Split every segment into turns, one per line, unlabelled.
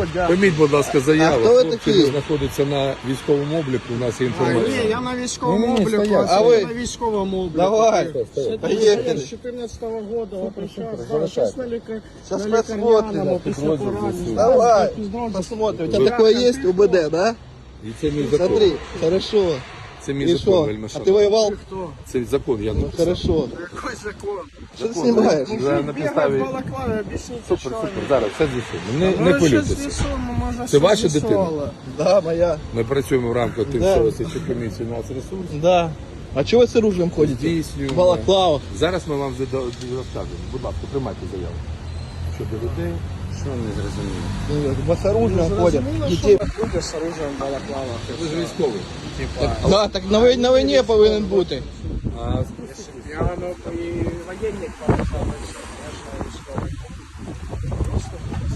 Володя.
Прийміть, будь ласка, заяву.
А хто ви
Хлопці
такі?
знаходяться на військовому обліку, у нас є інформація.
Ні, я на військовому
Ні,
обліку,
стоять.
а
А
ви
ви?
на військовому обліку.
Давай.
Я
Поехали.
з 14-го года,
залишайте.
сейчас на
Сейчас
лікарняному,
посмотрим.
після поранення.
Давай,
Підрозділ.
посмотрим. У тебя такое есть УБД, да?
І це мій закон.
Смотри, хорошо.
Це мій
И
закон,
что?
вельми
А
шановний.
ты воевал?
Хто?
Це закон, я написав.
Хорошо.
Який закон?
Что ты снимаешь?
На
Бігав
підставі...
в балаклаві, об'ясніть,
Супер,
що
супер,
він.
зараз все з'ясуємо. Не
Ну, що
хвилюйтеся.
з'ясуємо, може,
Це
що
ваша
з'ясували.
Да, моя.
Ми працюємо в рамках
Да.
тимчасової слідчої комісії «Нацресурс».
Да. А чего вы с оружием ходите?
Здійснюємо.
В балаклавах.
Зараз ми вам розкажемо. Будь ласка, приймайте заяву. Щодо людей. Що не зрозуміло?
Мы с оружием ходят.
Зрозуміло,
Детей.
що люди з оружием в балаклавах.
Ви ж військовий.
Да, так на войне повинен бути.
А
Я і воєнник балаклавах. Я ж військовий. Просто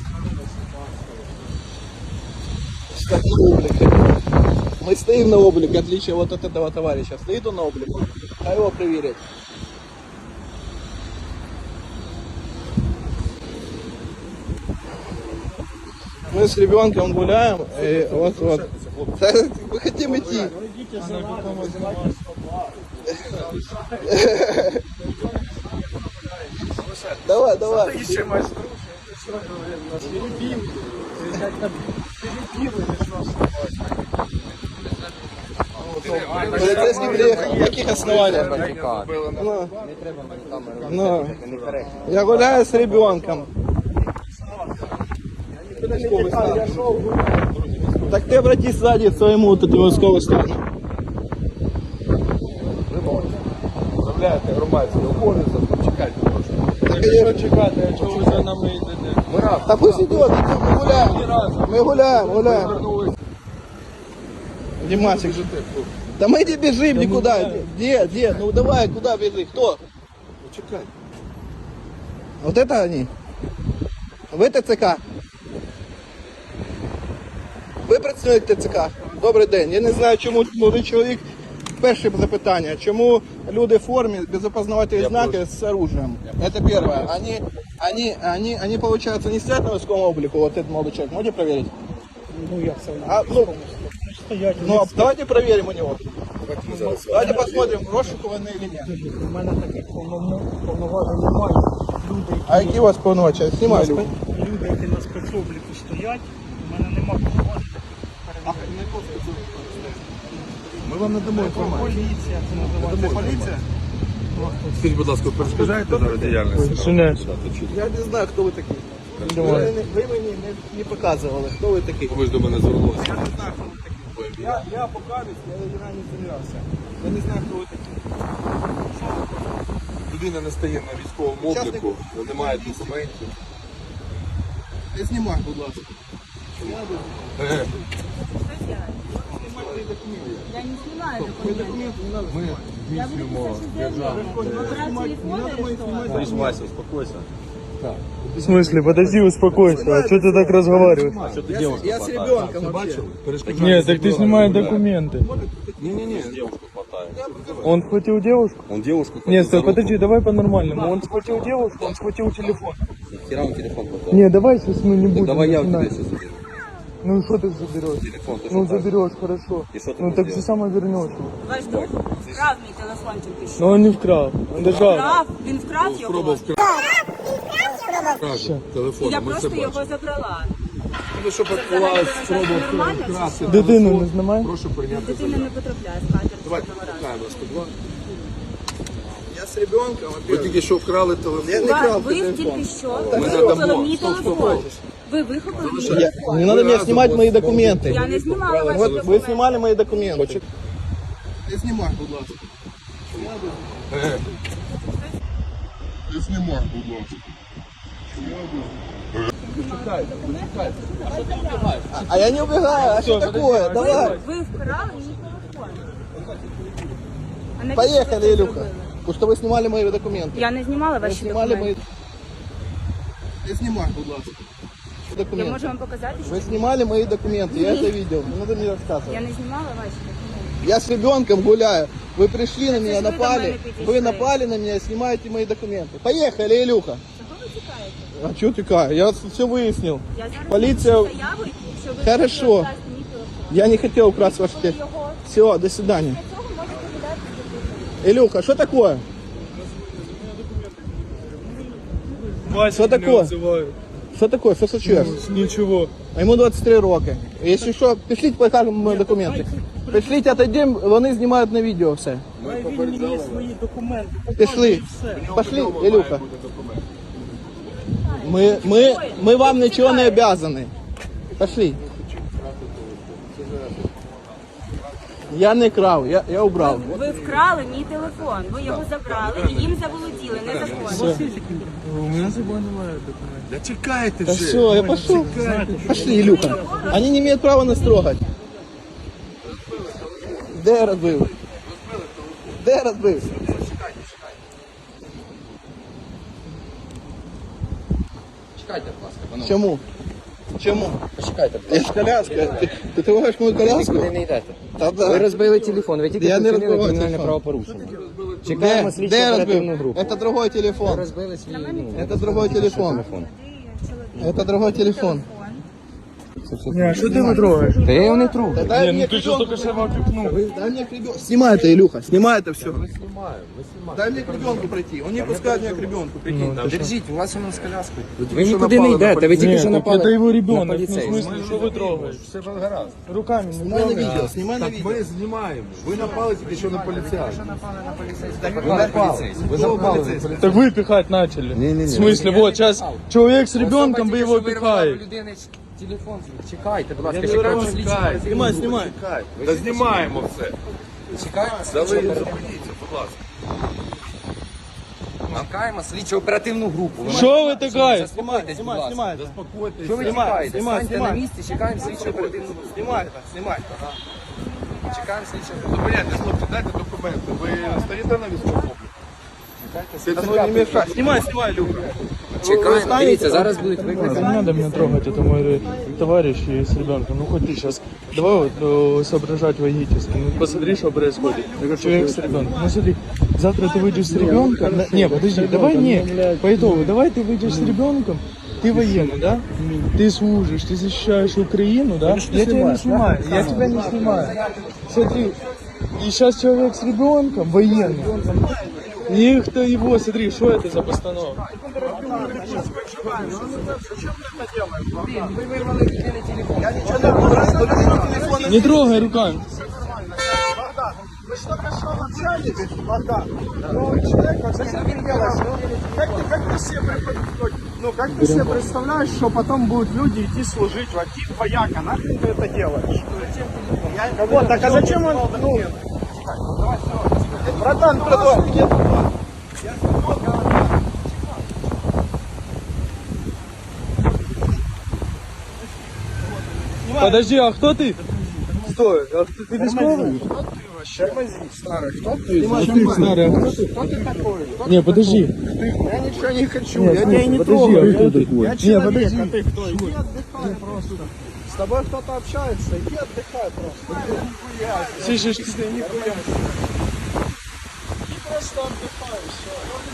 Как на облик. Мы стоим на облик, в отличие вот от этого товарища. Стоит он на облик, а его проверять. Мы с ребенком гуляем, и вот. Да, мы хотим идти. Давай, давай. Полицейский приехал. На каких основаниях? Ну, я гуляю с ребенком. Так ты обратись сзади к своему вот этому військовому стану.
Управляєте громадський обов'язок, чекайте трошки.
Що
чекати, якщо ви за нами йдете?
Ми раз.
Да пусть идет, мы гуляем. Мы гуляем. Димасик, да мы не бежим никуда. Где? Ну давай, куда бежи? Кто?
Чекай.
Вот это они? Ви ТЦК? Ви працівник ТЦК? Добрий день. Я не знаю, чому молодий чоловік. Перше запитання. Чому люди в формі без опознавательних знаків з оружием? Это первое. Они, получается, не стоят на військовому облику, вот этот молодой человек. Можете проверить?
Ну, як це?
Давайте проверим у него. Давайте посмотрим, розшукуваний или нет.
У мене таких повноважень немає. Люди,
А які у вас повноваження? Знімай люди.
люди, які на спецобліку стоять, у мене немає повноважень.
Ми вам надамо інформацію.
Поліція, це називається. Поліція?
Скажіть, будь ласка, перешкоджаєте зараз діяльність?
Я не знаю, хто ви такі. Ви мені не показували, хто ви такі.
Ви ж до мене звернулися.
Я не знаю, хто ви такі. Я покажусь, я не замірявся. Я не знаю, хто ви такі.
Людина не стає на військовому обліку, не має документів.
Не знімай, будь ласка.
Я не снимаю документы.
Ми
Я буду
здійснюємо
писать заявление. Брать телефон или что?
Вася, успокойся.
В смысле? Подожди, успокойся. А что ты так разговариваешь?
Что ты девушку
Я з
хватаешь?
ребенком вообще.
Нет, так ты снимай документы.
Ні-ні-ні.
Девушку хватает.
Он схватил девушку?
Он девушку хватает.
Нет, стой, подожди, давай по-нормальному. Он схватил девушку, он схватил телефон.
Хера он телефон хватает.
Не, давай сейчас мы не будем.
Давай я у тебя
начинать.
сейчас заберу.
Ну и что ты заберешь?
Телефон ты
Ну
что
заберешь, хорошо.
И что ты
Ну
будешь
так же
делать?
само вернешь.
Ваш друг вкрав мій телефончик і що?
Но он не вкрал. Он держал.
Вкрав? Він вкрав його?
Спробував вкрасти телефон.
Я
Ми це
просто його
бачимо.
забрала.
Ви що підклали спробував
Нормально чи
вкрасти
що?
Дитину
телефон?
не знімай.
Прошу прийняти
Дитина
заяву.
не потрапляє з хати.
Давайте викликаємо 102.
Я з ребенком,
Ви тільки що вкрали телефон.
Я не крав
Ви
телефон.
тільки що
Ми
вихопили
надамо.
мій
Стоп, стоп,
телефон.
стоп.
Ви вихопили мій
Не
телефон.
надо мне снимать мои документы.
Я не знімала ваші
Вот вы
документи.
снимали мои документы. Не снимай, будь ласка.
Не знімай, будь ласка.
А я не убегаю, а что такое? Давай.
Ви вкрали мій телефон. А навіщо ви
Поехали,
це
Илюха.
зробили?
Потому что вы снимали мои документы.
Я не знімала
Вы
ваші
снимали
документи.
мои... Не снимай, будь ласка.
Я
Документы.
можу вам показати, що
Вы снимали мои документы, я это видел. Не надо мне рассказывать.
я не знімала ваші документи.
Я с ребенком гуляю. Вы пришли на меня,
ж ви до
напали.
мене підійшли.
Вы напали на меня, снимаете мои документы. Поехали, Илюха.
Чого ви тікаєте?
А чого тікає? Я все вияснив.
Я зараз
Поліція...
напишу заяву, що ви
Хорошо.
хочете вкрасти мій телефон.
Я не хотел украсть ваш телефон.
Його.
Все, до свидания.
Для цього можете віддати телефон.
Илюха, что такое? Что такое? Что такое? Что случилось?
Ничего.
А ему 23 роки. Если что, пришлите, покажемо мої документи. Пришліть, отойдем, вони знімають на відео все.
Хай він мені свої документи.
Пішли.
І все.
Пошли, Илюха. Мы вам ничего не обязаны. Пошли. Я не крав, я убрав.
Ви вкрали мій телефон, ви його забрали і їм заволоділи, незаконно.
У меня с собой немає документов.
Да чекайте
Да
вже.
все, я пошел. Пошли, Илюха. Они не имеют права нас трогать. Де я розбив? Де я розбив?
Чекайте, будь ласка, панове.
Чому? Чому?
Почекайте, будь
Я ж коляска. Ти трогаєш мою коляску?
Куди не йдете?
Та
Ви
да.
розбили телефон, ви тільки
Я не
вчинили
розбивав
кримінальне
телефон.
правопорушення.
Де?
Чекаємо слідчу
Де я
оперативну
розбив?
групу.
Это другой
Ви
телефон.
розбили свій,
Это другой телефон. Это другой телефон.
Не, а что ты его трогаешь?
Та я його не тру.
Да дай
Не,
мне
ну ты что
ребенку.
только что его окликнул.
Дай мне к ребенку. Снимай это, Илюха, снимай это все. Дай мне к ребенку пройти. Он не пускает меня к ребенку, прикинь.
Держіть, у вас воно з коляскою. Ви нікуди не йдете, ви тільки
Нет,
що
так
напали
это его
на
ребенок. Ну, в
поліцейського.
смысле, что вы трогаете?
Все ж гаразд.
Руками не
Снимай на
трогай.
видео, снимай на
Так
видео.
ми знімаємо. Ви напали тільки що на поліцейських.
Ви напали.
Ви напали на поліцейських.
Так вы пихать начали.
Не-не-не.
В смысле, вот сейчас человек с ребенком, вы его пихаете.
Телефон, чекайте, будь ласка,
Я
чекаємо
говорю,
слідчу.
Снимай, снимай.
Та знімаємо все.
Чекаємо
Да ви
слідчу.
зупиніться, будь ласка.
Чекаємо слідчу оперативну групу. Ви
Что вы такая?
заспокойтесь, будь ласка.
Снимай это.
Що ви
Знімай,
чекаєте?
знімай,
Станьте на
знімай.
місці, чекаємо слідчу оперативну групу.
Снимай это, снимай.
Чекаємо слідчу оперативну
Зупиняйте, хлопці, дайте документи. Ви стоїте на військовому обліку?
Да ну не мешай. Снимай, снимай, Илюха.
Чекаємо, дивіться, зараз будуть викликані.
Не надо меня трогать, это мой товарищ и с ребенком. Ну хоть ты сейчас, давай вот соображать логически. Ну посмотри, что происходит. Человек с ребенком. Ну смотри, завтра ты выйдешь с ребенком. Не, подожди, давай не, по итогу, давай ты выйдешь с ребенком. Ты военный, да? Ты служишь, ты защищаешь Украину, да? Я тебя не снимаю, я тебя не снимаю. Смотри, и сейчас человек с ребенком, военный. И кто его, смотри, что это за постановка? Не трогай руками.
Как ты себе представляешь, что потом будут люди идти служить в один вояка? Нахрен ты это делаешь? Вот, так а зачем он... Ну, братан, продолжай.
Подожди, а кто ты? Стой, а ты військовий? Не, подожди.
Я ничего не хочу.
Нет,
Я тебя и не
подожди,
трогаю.
а кто такой?
Я
Не,
человек,
подожди.
а ты кто? Иди отдыхай просто. С тобой кто-то общается, иди отдыхай просто.
Слышишь,
Ты нихуя. Ты просто отдыхай, все.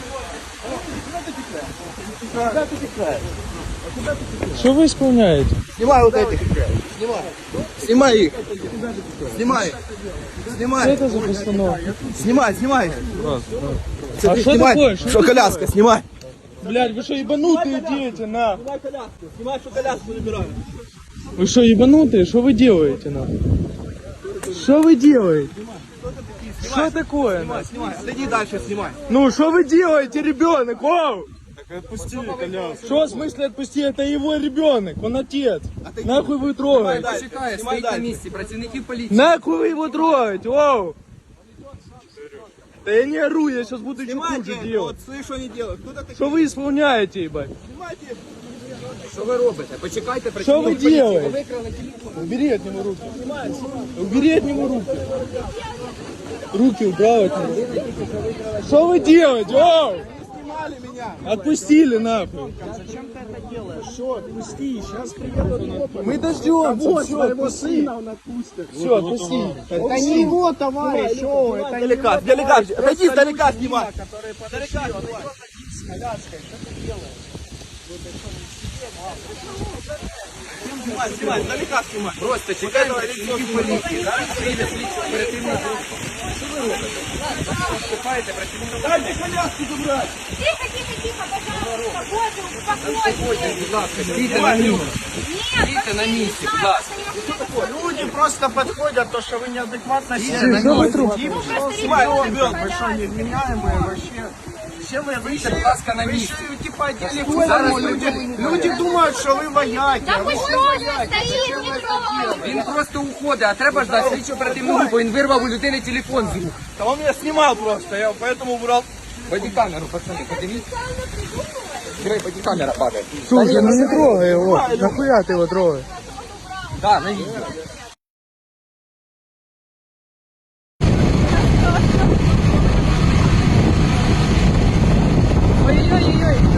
Куда ты текаешь?
что вы исполняете?
Снимай вот этих. Снимай. Снимай их. Снимай их.
Что
Снимай.
это за постановка?
Снимай, снимай.
А что
Снимай.
такое?
Что коляска, снимай.
Блядь, вы что, ебанутые дети, на?
Снимай коляску. Снимай, что коляску забираю.
Вы что, ебанутые? Что вы делаете, на? Что вы делаете? Что такое, на?
Снимай. Отойди дальше, снимай.
Ну, что вы делаете, ребенок? Вау!
Отпусти коляску.
Что, в смысле отпусти? Это его ребенок, он отец. Нахуй вы трогаете?
Чекає,
Знімай
стоїть на
далі.
місці, працівників поліції.
Нахуй вы его трогаете? Вау! Да я не ору, я сейчас буду еще хуже
Снимайте.
делать.
Вот, слышь, что они делают. Кто такие?
Что вы исполняете, ебать?
Снимайте.
Що ви робите? Почекайте,
Что вы
працівників поліції. Ви
делаете?
викрали телефон.
Убери от него руки. Убери от него руки. Руки убрал от него. Что вы делаете? Вау!
Снимали меня.
Отпустили нахуй.
Зачем ты это делаешь? Все, отпусти, сейчас приедут копы.
Мы дождемся.
Вот
Все,
своего
отпусти.
сына он отпустит.
Все, отпусти.
Это не его товарищ, о, это не
Далека,
его
далека,
товарищ.
отойди
Просто
далека
люди,
снимай.
которые подошли, он идет один с коляской. Что ты делаешь?
Снимай, издалека снимай.
Просто чекаємо працівників поліції. Зараз прийде слідчо оперативна група. Що ви робите? Вступаєте працівників.
Дайте коляску забрать.
Тихо, тихо, тихо, пожалуйста, Боже, успокойтесь.
Будь ласка, стійте на місці. Стійте на місці, будь ласка.
Люди просто подходят, то, что вы неадекватно
Что
себя
вы
ведете. Снимай, вы что, невменяемые вообще? Все вы
Стійте, будь ласка, на місці.
типа телефон.
Зараз
Люди думают, что вы вояки.
Да
а вы
пусть
все
просто
вояки.
стоит, не трогай.
Він просто уходить, а треба ждати слідчо оперативну групу. Він вирвав у людини телефон з рук.
Да он меня снимал просто, я поэтому убрал.
Бодікамеру, пацани, подивіться. Диви, бодікамера падає.
Слушай, ну не трогай его. Нахуя ты его трогаешь?
Да, на відео.
Ой-ой-ой.